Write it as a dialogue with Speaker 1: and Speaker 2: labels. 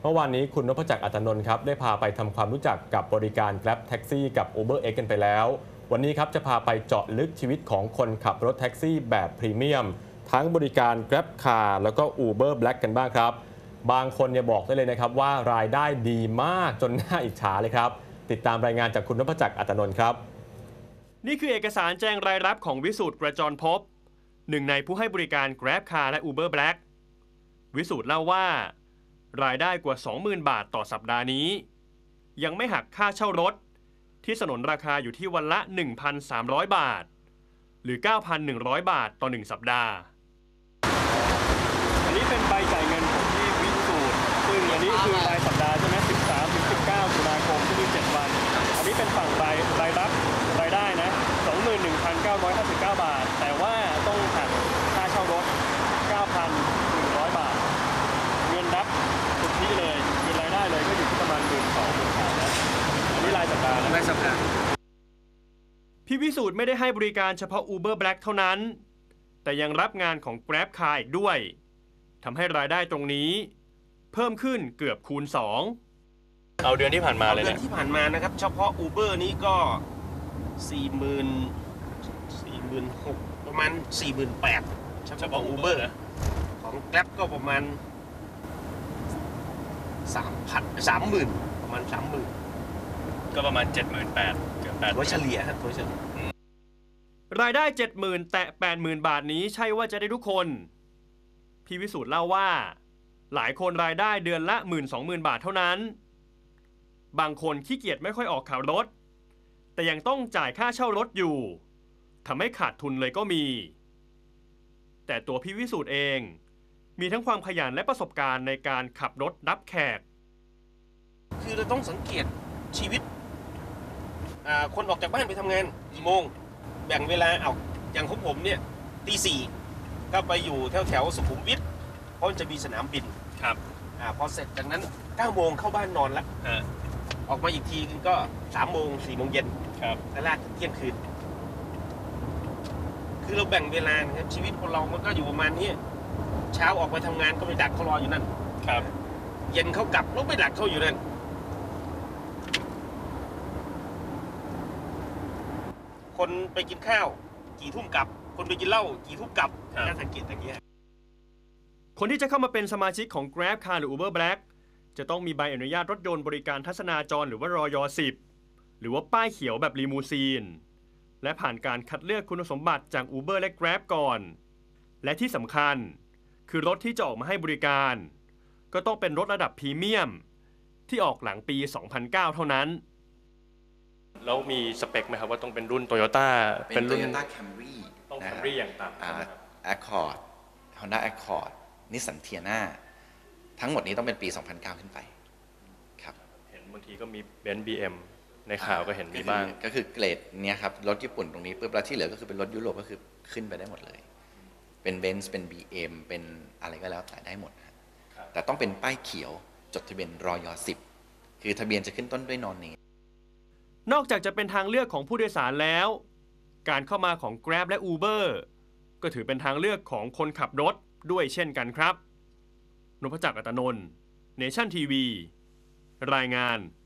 Speaker 1: เมื่อวานนี้คุณนพจักร อัตนนท์ครับได้พาไปทำความรู้จักกับบริการ Grab แท็กซี่กับ UberX กันไปแล้ววันนี้ครับจะพาไปเจาะลึกชีวิตของคนขับรถแท็กซี่แบบพรีเมียมทั้งบริการ Grab Car แล้วก็ Uber Black กันบ้างครับบางคนเนี่ยบอกได้เลยนะครับว่ารายได้ดีมากจนน่าอิจฉาเลยครับติดตามรายงานจากคุณนพจักร อัตนนท์ครับ
Speaker 2: นี่คือเอกสารแจ้งรายรับของวิสูตรกระจรภพหนึ่งในผู้ให้บริการ Grab Car และ Uber Black วิสูตรเล่าว่ารายได้กว่า 20,000 บาทต่อสัปดาห์นี้ยังไม่หักค่าเช่ารถที่สนนราคาอยู่ที่วันละ 1,300 บาทหรือ 9,100 บาทต่อ1สัปดาห์อันนี้เป็นใบจ่ายเงินของที่วิสูตรซึ่งอันนี้คือรายสัปดาห์ใช่ไหม13 ถึง 19 ตุลาคมที่มี7วันอันนี้เป็นฝั่งรายรับรายได้นะ 21,959 บาทแต่ว่าต้องหักค่าเช่ารถ 9,100 บาทเงินรับสุทธิเลยเงินรายได้เลยก็อยู่ที่ประมาณ 12,000 นะอันนี้รายสัปดาห์นะรายสัปดาห์พี่วิสูตรไม่ได้ให้บริการเฉพาะ Uber Black เท่านั้นแต่ยังรับงานของ Grab Car อีกด้วยทำให้รายได้ตรงนี้เพิ่มขึ้นเกือบคูณ 2เอาเดือนที่ผ่านมาเลยเนี่ย
Speaker 3: เดือนที่ผ่านมานะครับเฉพาะ Uber นี้ก็46,000ประมาณ 48,000เฉพาะ Uber ของ Grab ก็ประมาณ 30,000ประมาณ 30,000
Speaker 2: ก็ประมาณ 78,000 เกือบ 8,000
Speaker 3: ตัวเฉลี่ยครับตัวเฉลี่ย
Speaker 2: รายได้ 70,000 แตะ 80,000 บาทนี้ใช่ว่าจะได้ทุกคนพี่วิสูตรเล่าว่าหลายคนรายได้เดือนละ 12,000 บาทเท่านั้นบางคนขี้เกียจไม่ค่อยออกขับรถแต่ยังต้องจ่ายค่าเช่ารถอยู่ทำให้ขาดทุนเลยก็มีแต่ตัวพี่วิสูตรเองมีทั้งความขยันและประสบการณ์ในการขับรถรับแขก
Speaker 3: คือเราต้องสังเกตชีวิตคนออกจากบ้านไปทำงานกี่โมงแบ่งเวลาเอาอย่างของผมเนี่ยตี 4ก็ไปอยู่แถวสุขุมวิทเพราะมันจะมีสนามบิน
Speaker 2: ครับ
Speaker 3: พอเสร็จจากนั้น 9 โมงเข้าบ้านนอนละออกมาอีกทีก็3 โมง 4 โมงเย็นแล้วลากถึงเที่ยงคืนคือเราแบ่งเวลานะครับชีวิตคนเรามันก็อยู่ประมาณนี้เช้าออกไปทำงานก็ไปดักเขารออยู่นั่น
Speaker 2: ครับ
Speaker 3: เย็นเขากลับแล้วไปดักเขาอยู่นั่นคนไปกินข้าวกี่ทุ่มกลับคนไปกินเหล้ากี่ทุ่มกลับการสังเกตอย่างเงี้ย
Speaker 2: คนที่จะเข้ามาเป็นสมาชิกของ Grab Car หรือ Uber Black จะต้องมีใบอนุญาตรถยนต์บริการทัศนาจรหรือว่ารย10หรือว่าป้ายเขียวแบบลีมูซีนและผ่านการคัดเลือกคุณสมบัติจาก Uber และ Grab ก่อนและที่สำคัญคือรถที่จะออกมาให้บริการก็ต้องเป็นรถระดับพรีเมียมที่ออกหลังปี 2009 เท่านั้นแล้วมีสเปคไหมครับว่าต้องเป็นรุ่น Toyota
Speaker 4: เป็นรุ่น Toyota Camry
Speaker 2: ต้อง Camry อย่างต่ำ
Speaker 4: Accord Honda Accord Nissan Tiana ทั้งหมดนี้ต้องเป็นปี 2009 ขึ้นไปครับ
Speaker 2: เห็นบางทีก็มี Benz BM ในข่าวก็เห็นมีบ้าง
Speaker 4: ก็คือเกรดเนี้ยครับรถญี่ปุ่นตรงนี้ปุ๊บแล้วที่เหลือก็คือเป็นรถยุโรปก็คือขึ้นไปได้หมดเลยเป็น Benz เป็น BM เป็นอะไรก็แล้วแต่ได้หมดแต่ต้องเป็นป้ายเขียวจดทะเบียนรย10คือทะเบียนจะขึ้นต้นด้วยนอนเนม
Speaker 2: นอกจากจะเป็นทางเลือกของผู้โดยสารแล้วการเข้ามาของ Grab และ Uber ก็ถือเป็นทางเลือกของคนขับรถด้วยเช่นกันครับนพจักร อัตนนท์ Nation TV รายงาน